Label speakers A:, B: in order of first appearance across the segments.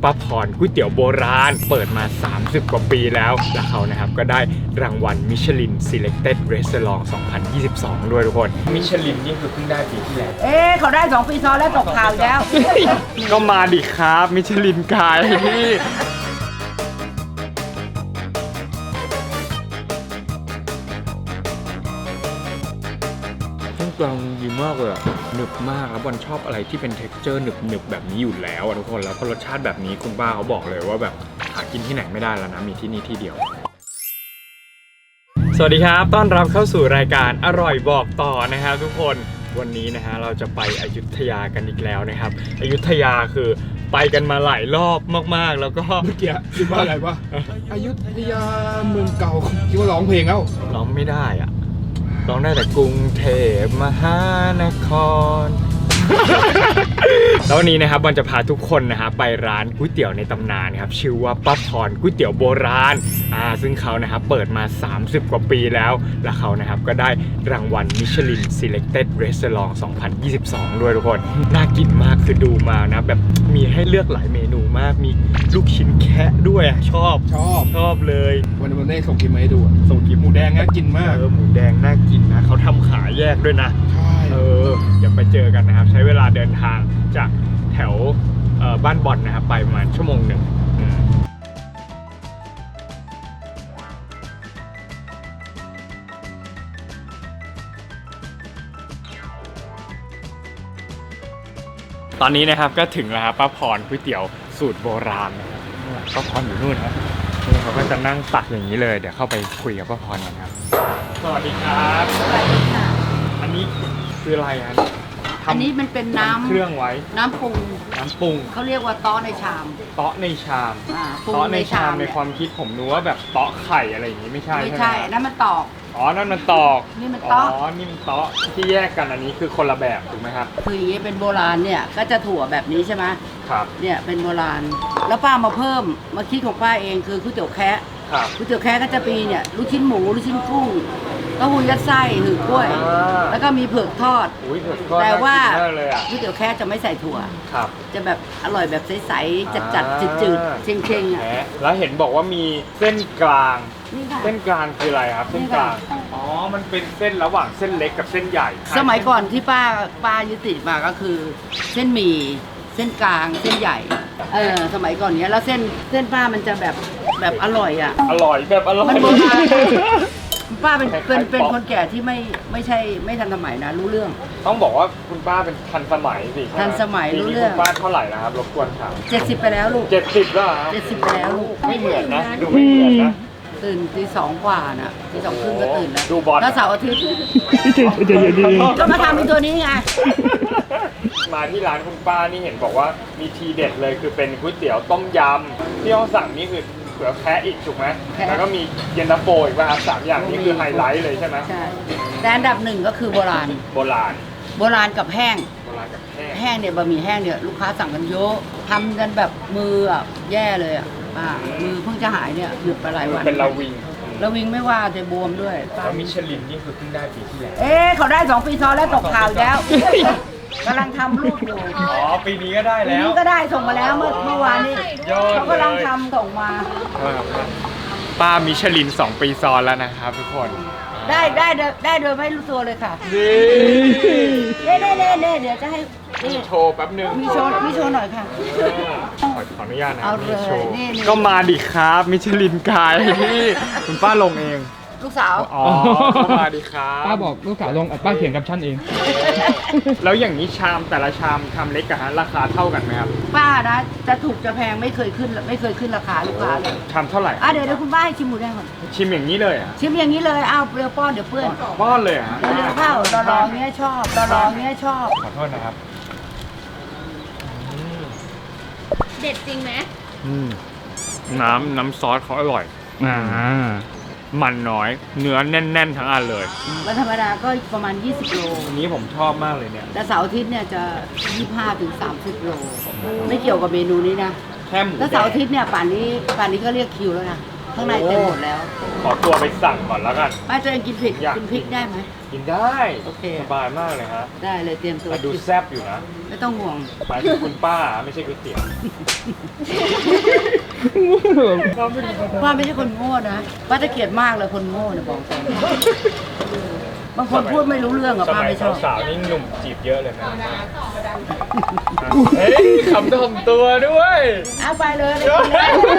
A: ป้าพรก๋วยเตี๋ยวโบราณเปิดมา30กว่าปีแล้วเขานะครับก็ได้รางวัลมิชลิน Selected Restaurant 2022ด้วยทุกคนมิชลินนี่คือเพิ่งได้ปีที่แล้ว
B: เขาได้2 ปีซ้อนแล้วตกข่าวแล้ว
A: ก็มาดิครับมิชลินกายพี่กลางดีมากเลยอะหนึบมากแล้วบอลชอบอะไรที่เป็น texture หนึบแบบนี้อยู่แล้วทุกคนแล้วก็รสชาติแบบนี้คุณป้าเขาบอกเลยว่าแบบหากินที่ไหนไม่ได้แล้วนะมีที่นี่ที่เดียวสวัสดีครับต้อนรับเข้าสู่รายการอร่อยบอกต่อนะครับทุกคนวันนี้นะฮะเราจะไปอยุธยากันอีกแล้วนะครับอยุธยาคือไปกันมาหลายรอบมากๆแล้วก็
C: เมื่อกี้คิดว่าอะไรวะอยุธยาเมืองเก่าคิดว่าร้องเพลงแล้ว
A: ร้องไม่ได้อะร้องได้แต่กรุงเทพมหานคร แล้ววันนี้นะครับบอลจะพาทุกคนนะฮะไปร้านก๋วยเตี๋ยวในตำนานครับชื่อว่าป้าพรก๋วยเตี๋ยวโบราณซึ่งเขานะครับเปิดมา30กว่าปีแล้วเขานะครับก็ได้รางวัลมิชลิน Selected Restaurant 2022ด้วยทุกคนน่ากินมากคือดูมานะแบบมีให้เลือกหลายเมนูมากมีลูกชิ้นแคะด้วยชอบเลย
C: วันนี้ส่งคลิปมาให้ดูส่งคลิปหมูแดงน่ากินมาก
A: หมูแดงน่ากินนะเขาทำขายแยกด้วยนะ
C: ใช่
A: เดี๋ยวไปเจอกันนะครับใช้เวลาเดินทางจากแถวบ้านบอลนะครับไปประมาณชั่วโมงหนึ่งตอนนี้นะครับก็ถึงแล้วครับป้าพรก๋วยเตี๋ยวสูตรโบราณนะครับป้าพรอยู่นู่นครับนี่เขาก็จะนั่งตักอย่างนี้เลยเดี๋ยวเข้าไปคุยกับป้าพรกันครับสวัสดีครับ
B: สวัสดีค่ะ
A: อันนี้คืออะไร
B: อันนี้มันเป็นน้ำ
A: เครื่องไว้
B: น้ำปรุงเขาเรียกว่าเต๊ะในชาม
A: เต๊ะในชามเต๊ะในชามในความคิดผมนึกว่าแบบเต๊ะไข่อะไรอย่างนี้ไม่ใช่
B: นั่นมันตอก
A: นั่นมันตอก
B: นี่มันเต๊ะ
A: นี่มันเต๊ะที่แยกกันอันนี้คือคนละแบบถูกไหมครับ
B: คืออย่างนี้เป็นโบราณเนี่ยก็จะถั่วแบบนี้ใช่ไหม
A: ครับ
B: เนี่ยเป็นโบราณแล้วป้ามาเพิ่มมาคิดของป้าเองคือก๋วยเตี๋ยวแคะก๋วยเตี๋ยวแคะก็จะมีเนี่ยลูกชิ้นหมูลูกชิ้นกุ้งเต้าหู้ยัดไส้หือกล้วยแล้วก็มีเผือกทอดแต่ว่าก๋วยเตี๋ยวแคะจะไม่ใส่ถั่วจะแบบอร่อยแบบใสๆจัดๆจืดๆเค็งๆ
A: แล้วเห็นบอกว่ามีเส้นกลางเส้นกลางคืออะไรครับเส้นกลางมันเป็นเส้นระหว่างเส้นเล็กกับเส้นใหญ่
B: สมัยก่อนที่ป้ายึดติดมาก็คือเส้นหมี่เส้นกลางเส้นใหญ่สมัยก่อนเนี้ยแล้วเส้นป้ามันจะแบบอร่อย
A: อร่อยแบบอร่อย
B: มันโบราณป้าเป็นคนแก่ที่ไม่ทันสมัยนะรู้เรื่อง
A: ต้องบอกว่าคุณป้าเป็นทันสมัยสิ
B: ทันสมัยรู้เรื่อง
A: คุณป้าเท่าไหร่นะครับรบกวนถาม
B: 70ไปแล้วลูก
A: 70แล้วครับ
B: 70ไปแล้วลูก
A: ไม่เหมือนนะดูไม่เหมือนนะ
B: ตื่นตี 2กว่าน่ะตี 2 ครึ่งก็ตื่นแล้ว
A: ดูบอล
B: แล้วเสาร์อาทิตย์ก็มาทำเป็นตัวนี้ไง
A: มาที่ร้านคุณป้านี่เห็นบอกว่ามีทีเด็ดเลยคือเป็นก๋วยเตี๋ยวต้มยำที่เขาสั่งนี่คือเผือกแคะอีกถูกไหมแล้วก็มีเย็นตาโฟอีกว่า3อย่างนี้คือไฮไลท์เลยใช่ไหม
B: ใช่แต่อันดับ1ก็คือโบราณกับแห้งแห้งเนี่ยบะหมี่แห้งเนี่ยลูกค้าสั่งกันเยอะทำกันแบบมือแย่เลยมือเพิ่งจะหายเนี่ยหยุดไปหลายวัน
A: เป็นระวิง
B: ไม่ว่าจะบวมด้วย
A: แล้วมิชลินนี่คือเพิ่งได้ปีที่แล้ว
B: เขาได้2 ปีซ้อนแล้วตกข่าวแล้วกำลังทำรูปอยู่
A: ปีนี้ก็ได้แล้ว
B: ปีนี้ก็ได้ส่งมาแล้วเมื่อวานนี้เขากำลังทำส่งมา
A: ป้ามิชลิน2 ปีซ้อนแล้วนะครับทุกคน
B: ได้โดยไม่รู้ตัวเลยค่ะเดี๋ยวจะให้
A: โชว์แป๊บนึง
B: มีโชว์หน่อยค่ะ
A: ขออนุญาตนะ
B: เอาเลย
A: ก็มาดิครับมิชลินกายพี่คุณป้าลงเอง
B: ลูกสาว
A: มาดิครับ
C: ป้าบอกลูกสาวลงป้าเขียนกับฉันเอง
A: แล้วอย่างนี้ชามแต่ละชามชามเล็กกับราคาเท่ากันไหมครับ
B: ป้านะจะถูกจะแพงไม่เคยขึ้นราคาลูกค้าเลย
A: ชามเท่าไหร่
B: เดี๋ยวคุณป้าให้ชิมหมูแดงก่อน
A: ชิมอย่างนี้เลย
B: ชิมอย่างนี้เลยเอาเปรี้ยวป้อนเดี๋ยวเปื้อน
A: ป้อนเลย
B: เร็วเข้ารอเงี้ยชอบ
A: ขอโทษนะครับ
D: เด็ดจริงไหม
A: น้ำซอสเขาอร่อยมันน้อยเนื้อแน่นๆทั้งอันเลย
B: แล้วธรรมดาก็ประมาณ20 โล
A: อันนี้ผมชอบมากเลยเนี่ย
B: แต่เสาร์อาทิตย์เนี่ยจะ25 ถึง 30 โลไม่เกี่ยวกับเมนูนี้นะ
A: แค่หมู
B: แล้วเสาร์อาทิตย์เนี่ยป่านนี้ก็เรียกคิวแล้วนะข้างในเต็มหมดแล้ว
A: ขอตัวไปสั่งก่อนแล้วกัน
B: ป้าตัวเองกินพริก
A: อยาก
B: กินพริกได้ไหม
A: กินได้
B: โอเค
A: สบายมากเลยฮะ
B: ได้เลยเตรียมตัว
A: แต่ดู
B: กิน
A: แซ่บอยู่นะ
B: ไม่ต้องห่วง
A: หมายถึงคุณป้าไม่ใช่ก๋วยเตี๋ยว
B: ป้าไม่ใช่คนโง่นะป้าจะเกลียดมากเลยคนโง่เนี่ยบอกตรงบางคนพูดไม่รู้เรื่องอะ
A: ส
B: ป้า
A: มัย
B: ไม่ชอบ
A: สาวๆนี่หนุ่มจีบเยอะเลยนะเฮ้ยคำถ่อมตัวด้วย
B: เอาไปเลยเลยกินเลย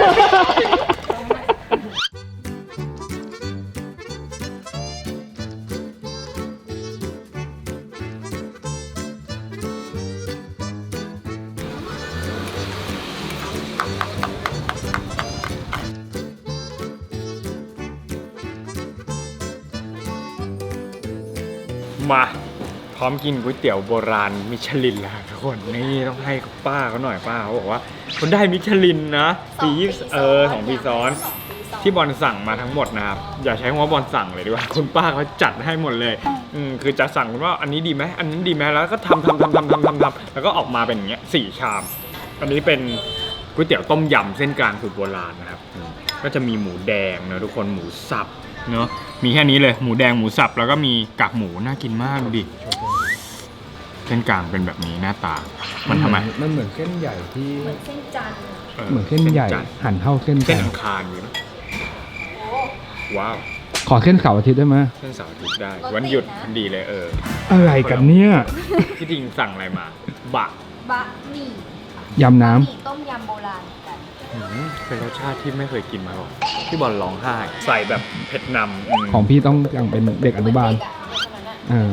A: มาพร้อมกินก๋วยเตี๋ยวโบราณมิชลินแล้วครับทุกคนนี่ต้องให้ป้าเขาหน่อยป้าเขาบอกว่าคนได้มิชลินนะปี2 ปีซ้อนที่บอลสั่งมาทั้งหมดนะครับอย่าใช้คำว่าบอลสั่งเลยดีกว่าคุณป้าเขาจัดให้หมดเลยคือจะสั่งว่าอันนี้ดีไหมอันนั้นดีไหมแล้วก็ทำแล้วก็ออกมาเป็นอย่างเงี้ย4 ชามอันนี้เป็นก๋วยเตี๋ยวต้มยำเส้นกลางสูตรโบราณนะครับก็จะมีหมูแดงนะทุกคนหมูสับเนาะมีแค่นี้เลยหมูแดงหมูสับแล้วก็มีกากหมูน่ากินมากดูดิเส้นกลางเป็นแบบนี้หน้าตามันทำไม
C: มันเหมือนเส้นใหญ่ที่
D: เหมือนเส้นจันทร์
C: เหมือนเส้นใหญ่
A: จันทร์
C: หั่นเท่าเส้น
A: เส้น
C: กัน
A: อังคารอยู่นะว้าว
C: ขอเส้นเสาร์อาทิตย์ได้ไหม
A: เส้นเสาร์อาทิตย์ได้วันหยุดพอดีเลย
C: อะไรกันเนี่ย
A: ที่จริงสั่งอะไรมาบะ
D: บะหมี่
C: ยำน้
D: บะหมี่ต้มยำโบราณกัน
A: เป็นรสชาติที่ไม่เคยกินมาก่อนที่บอลร้องไห้ใส่แบบเผ็ดนำ
C: ำของพี่ต้องอย่างเป็นเด็กอนุบาล
D: เด็กอะเด็กคนนั้นอะ
C: อ่า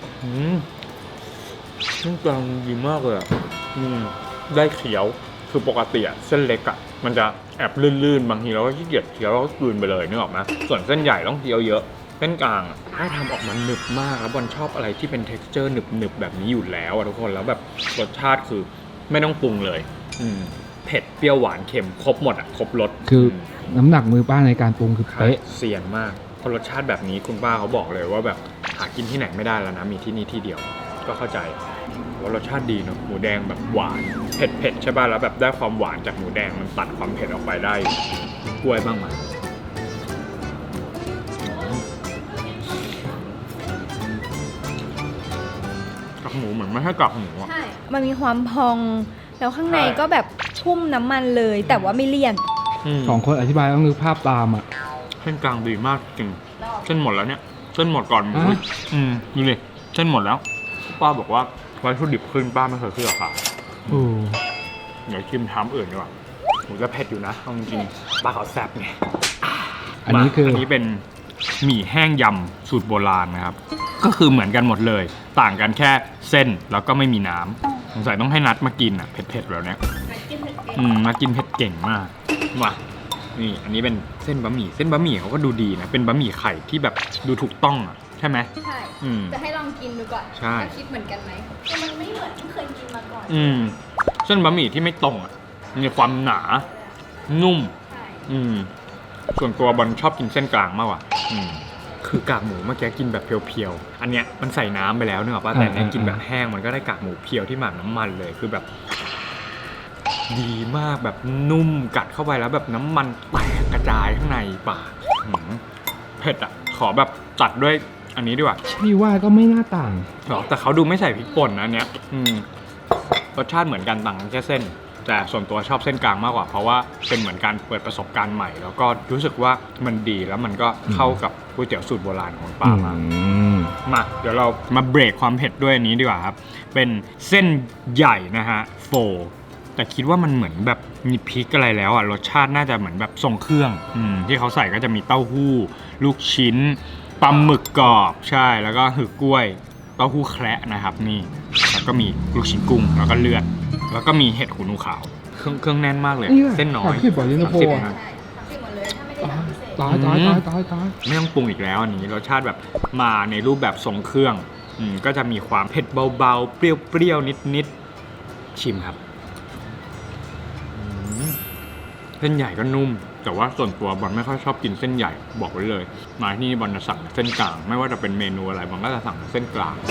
A: เส้นกลางดีมากเลยได้เขียวคือปกติอะเส้นเล็กอะมันจะแอบลื่นๆบางทีเราก็ขี้เกียจเคี้ยวเราก็กลืนไปเลยนึกออกไหมส่วนเส้นใหญ่ต้องเคี้ยวเยอะเส้นกลางอะถ้าทำออกมาหนึบมากแล้วบอลชอบอะไรที่เป็น texture หนึบๆแบบนี้อยู่แล้วอะทุกคนแล้วแบบรสชาติคือไม่ต้องปรุงเลยเผ็ดเปรี้ยวหวานเค็มครบหมดอะครบรส
C: คือน้ำหนักมือป้าในการปรุงคือเป๊ะ
A: เซียนมากเพราะรสชาติแบบนี้คุณป้าเขาบอกเลยว่าแบบหากินที่ไหนไม่ได้แล้วนะมีที่นี่ที่เดียวก็เข้าใจว่ารสชาติดีเนาะหมูแดงแบบหวานเผ็ดใช่ป่ะแล้วแบบได้ความหวานจากหมูแดงมันตัดความเผ็ดออกไปได้กล้วยบ้างไหมกากหมูเหมือนไม่ใช่กากหมูอะ
D: ใช่ มันมีความพอง แล้วข้างในก็แบบชุ่มน้ำมันเลย แต่ว่าไม่เลี่ยน
C: สองคนอธิบายต้องนึกภาพตามอ่ะ
A: เส้นกลางดีมากจริงเส้นหมดแล้วเนี่ยเส้นหมดก่อนหมู
C: อ่ะ
A: ดูเลยเส้นหมดแล้วป้าบอกว่าวัตถุดิบขึ้นป้าไม่เคยขึ้นราคา
C: โอ้
A: เดี๋ยวชิมทามอื่นดีกว่าหมูจะเผ็ดอยู่นะเอาจริงๆปลาเขาแซ่บไง
C: อันนี้คือ
A: อันนี้เป็นหมี่แห้งยำสูตรโบราณนะครับ ก็คือเหมือนกันหมดเลย ต่างกันแค่เส้นแล้วก็ไม่มีน้ำสงสัยต้องให้นัดมากินอ่ะเผ็ดๆแบบเนี้ยมากินเผ็ดเก่งมากมานี่อันนี้เป็นเส้นบะหมี่เส้นบะหมี่เขาก็ดูดีนะเป็นบะหมี่ไข่ที่แบบดูถูกต้องอ่ะใช่ไหม
D: ใช่ จะให้ลองกินดูก่อน
A: ใช่
D: ว่าคิดเหมือนกันไหมแต่มันไม่เหมือนที่เคยกินมาก่อน
A: เส้นบะหมี่ที่ไม่ตรงอ่ะมีความหนา นุ่ม
D: ใช่
A: ส่วนตัวบอลชอบกินเส้นกลางมากกว่าคือกากหมูเมื่อกี้กินแบบเพียวๆ อันเนี้ยมันใส่น้ำไปแล้วเนอะป่ะแต่เนี้ยกินแบบแห้งมันก็ได้กากหมูเพียวที่หมักน้ำมันเลยคือแบบ ดีมากแบบนุ่มกัดเข้าไปแล้วแบบน้ำมันแตกกระจายข้างในปากเผ็ดอ่ะขอแบบตัดด้วยอันนี้ดีกว่า
C: พี่ว่าก็ไม่น่าต่าง
A: หรอแต่เขาดูไม่ใส่พริกป่นนะอันเนี้ยรสชาติเหมือนกันต่างกันแค่เส้น แต่ส่วนตัวชอบเส้นกลางมากกว่าเพราะว่าเป็นเหมือนการเปิดประสบการณ์ใหม่ แล้วก็รู้สึกว่ามันดีแล้วมันก็เข้ากับก๋วยเตี๋ยวสูตรโบราณของป้ามากมาเดี๋ยวเรามาเบรกความเผ็ดด้วยอันนี้ดีกว่าครับเป็นเส้นใหญ่นะฮะโฟแต่คิดว่ามันเหมือนแบบมีพริกอะไรแล้วอ่ะรสชาติน่าจะเหมือนแบบทรงเครื่องที่เขาใส่ก็จะมีเต้าหู้ลูกชิ้นปลาหมึกกรอบใช่แล้วก็หือกล้วยเต้าหู้แคระนะครับนี่แล้วก็มีลูกชิ้นกุ้งแล้วก็เลือดแล้วก็มีเห็ดหูหนูขาวเครื่องแน่นมากเลย
C: เนี่ย
A: เส้นน้อย
C: 30 กว่าเย็นตาโฟ
A: 30
C: อะ
A: นะ
D: ใช่30หมดเลยถ้าไม่ได้แบบพิเศษ
C: ตาย
A: ไม่ต้องปรุงอีกแล้วอันนี้รสชาติแบบมาในรูปแบบทรงเครื่องก็จะมีความเผ็ดเบาๆเปรี้ยวๆนิดๆชิมครับเส้นใหญ่ก็นุ่มแต่ว่าส่วนตัวบอลไม่ค่อยชอบกินเส้นใหญ่บอกไว้เลยมาที่นี่บอลจะสั่งเส้นกลางไม่ว่าจะเป็นเมนูอะไรบอลก็จะสั่งเส้นกลาง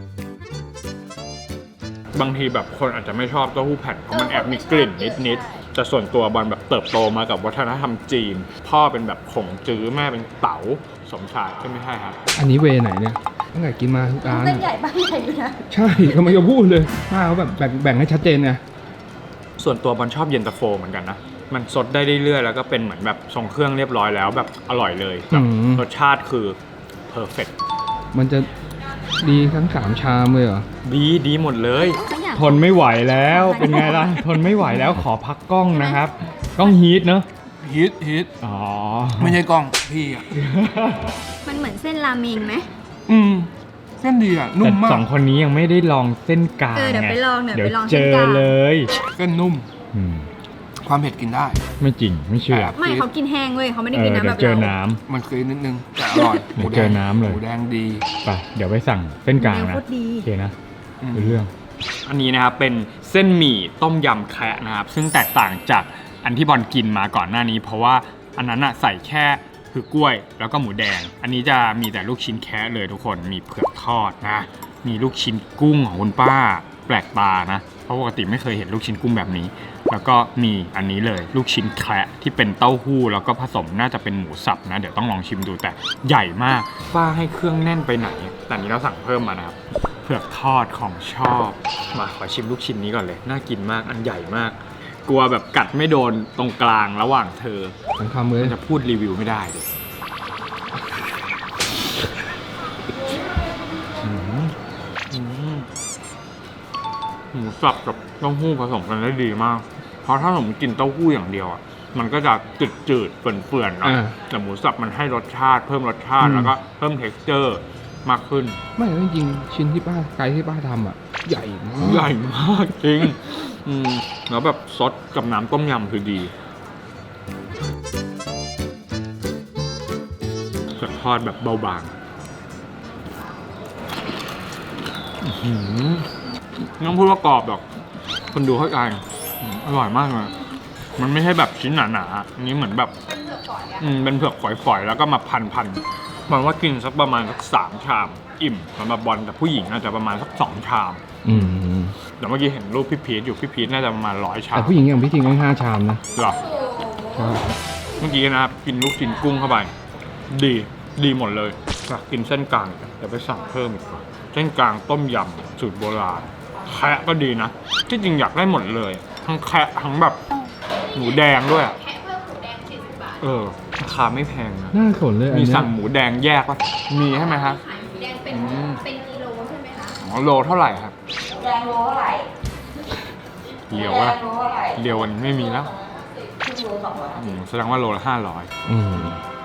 A: บางทีแบบคนอาจจะไม่ชอบเต้าหู้แผ่นเพราะมันแอบมีกลิ่นนิดแต่ส่วนตัวบอลแบบเติบโตมากับวัฒนธรรมจีน พ่อเป็นแบบขงจื้อแม่เป็นเต๋าสมชายก็ไม่ใช่ครับ
C: อันนี้เวไหนเนี่ยตั้งแต่กินมาทุกร้าน
D: เส้นใหญ่บ้างใหญ่อยู่นะ
C: ใช่กำลังจะพูดเลยป้าเขาแบบแบ่งให้ชัดเจนไง
A: ส่วนตัวบอลชอบเย็นตาโฟเหมือนกันนะมันสดได้เรื่อยๆแล้วก็เป็นเหมือนแบบทรงเครื่องเรียบร้อยแล้วแบบอร่อยเลยแบบรสชาติคือเพอร์เฟกต์
C: มันจะดีทั้ง3 ชามเลยเหรอ
A: ดีหมดเลย
D: ก็อยาก
A: ทนไม่ไหวแล้วเป็นไงล่ะ ทนไม่ไหวแล้วขอพักกล้องนะครับกล้องฮีทเนอะ
C: ฮิต
A: อ๋อ
C: ไม่ใช่กล้องพี่อ่ะ
D: มันเหมือนเส้นราเมงไหม
C: เส้นดีอ่ะ
A: แต่
C: นุ่มมา
A: สอก งคนนี้ยังไม่ได้ลองเส้นกลาง
D: เดี๋ยว
A: ไง
D: ไปลองเดี๋ยว
A: เดี๋ยว
D: ไปลอง
A: เจ
D: เส้น
A: อก
D: ลาง
A: เลย
C: เส้นนุ่ม
A: อืม
C: ความเผ็ดกินได้
A: ไม่จริงไม่เชื่อ
D: ไม่เขากินแห้งเว้ยเขาไม่ได้กินน้ำ
A: เดี๋
D: แบ
A: ยว
D: บ
A: เจอ
D: เรา
A: น้ำ
C: มันเคยนิดนึงแต่อร่อย
A: เดี๋ยวเจอน้ำเลย
C: หมูแดงดี
A: ไปเดี๋ยวไปสั่งเส้นกลาง
D: แดง
A: นะ
D: โคตรดี
A: โอเคนะเป็นเรื่อง อันนี้นะครับเป็นเส้นหมี่ต้มยำแคะนะครับซึ่งแตกต่างจากอันที่บอลกินมาก่อนหน้านี้ เพราะว่าอันนั้นอะใส่แค่คือกล้วยแล้วก็หมูแดง อันนี้จะมีแต่ลูกชิ้นแคะเลยทุกคนมีเผือกทอดนะมีลูกชิ้นกุ้งของคุณป้าแปลกตานะเพราะปกติไม่เคยเห็นลูกชิ้นกุ้งแบบนี้ แล้วก็มีอันนี้เลยลูกชิ้นแคระที่เป็นเต้าหู้แล้วก็ผสมน่าจะเป็นหมูสับนะเดี๋ยวต้องลองชิมดูแต่ใหญ่มากป้าให้เครื่องแน่นไปไหนแต่อันนี้เราสั่งเพิ่มมานะครับเผือกทอดของชอบมาขอชิมลูกชิ้นนี้ก่อนเลยน่ากินมากอันใหญ่มาก กลัวแบบกัดไม่โดนตรงกลางระหว่างเธอ
C: ทั้งคำเลย
A: จะพูดรีวิวไม่ได้เลยหมูสับกับเต้าหู้ผสมกันได้ดีมาก เพราะถ้าผมกินเต้าหู้อย่างเดียวอ่ะ มันก็จะจืดๆเปื่อนๆเนาะแต่หมูสับมันให้รสชาติเพิ่มรสชาติแล้วก็เพิ่ม texture มากขึ้น
C: ไม่จริงๆชิ้นที่ป้าไก่ที่ป้าทำอ่ะ ใหญ่มาก
A: ใหญ่มากจริงแล้วแบบซดกับน้ำต้มยำคือดีเผือกทอดแบบเบาบางไม่ต้องพูดว่ากรอบหรอกคนดูเข้าใจอร่อยมากเลยมันไม่ใช่แบบชิ้นหนาๆอันนี้เหมือนแบบเป็นเผือกฝอยๆแล้วก็มาพันๆมันว่ากินสักประมาณสัก3 ชามอิ่มสำหรับบอลแต่ผู้หญิงอาจจะประมาณสัก2 ชามเดี๋ยวเมื่อกี้เห็นรูปพี่พีทอยู่พี่พีทน่าจะประมาณ100 ชาม
C: แต่ผู้หญิงอย่างพี่ทิงต้อง5 ชามนะ
A: หรอ
C: ใช่
A: เมื่อกี้นะครับกินลูกชิ้นกุ้งเข้าไปดีหมดเลยอยากกินเส้นกลางเดี๋ยวไปสั่งเพิ่มอีกว่าเส้นกลางต้มยำสูตรโบราณแคะก็ดีนะที่จริงอยากได้หมดเลยทั้งแคะทั้งแบบหมูแดงด้วยแคะเพิ่มหมูแดง40 บาทราคาไม่แพงนะ
C: น่าสนเลยอัน
A: มี
C: เนี้ย
A: สั่งหมูแดงแยกป่ะมีใช่ไหมครับ
D: ขายหมูแดงเป็นกิโลใช่ไหมคะ
A: อ๋อโลเท่าไหร่ครับ
B: แดงโลเท่าไหร่
A: เหลียวว่า
B: แดงโลเท่าไหร่
A: เหลียวมันไม่มีแล้ว
B: ครึ่งโล250
A: แสดงว่าโลละ500
C: อืม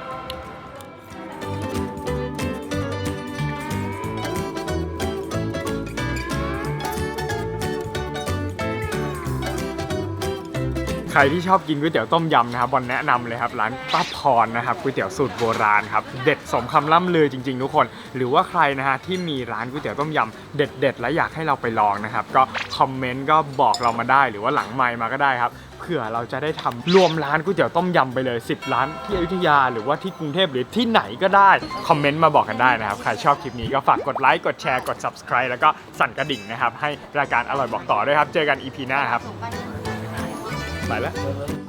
A: ใครที่ชอบกินก๋วยเตี๋ยวต้มยำนะครับบอลแนะนำเลยครับร้านป้าพรนะครับก๋วยเตี๋ยวสูตรโบราณครับเด็ดสมคำล่ำลือจริงๆทุกคนหรือว่าใครนะฮะที่มีร้านก๋วยเตี๋ยวต้มยำเด็ดๆและอยากให้เราไปลองนะครับก็คอมเมนต์ก็บอกเรามาได้หรือว่าหลังไมค์มาก็ได้ครับเผื่อเราจะได้ทำรวมร้านก๋วยเตี๋ยวต้มยำไปเลย10 ร้านที่อยุธยาหรือว่าที่กรุงเทพหรือที่ไหนก็ได้คอมเมนต์มาบอกกันได้นะครับใครชอบคลิปนี้ก็ฝากกดไลค์กดแชร์กด subscribe แล้วก็สั่นกระดิ่งนะครับให้รายการอร่อยบอกต่อด้วยครับเจอกัน EP หน้าครับไปแล้ว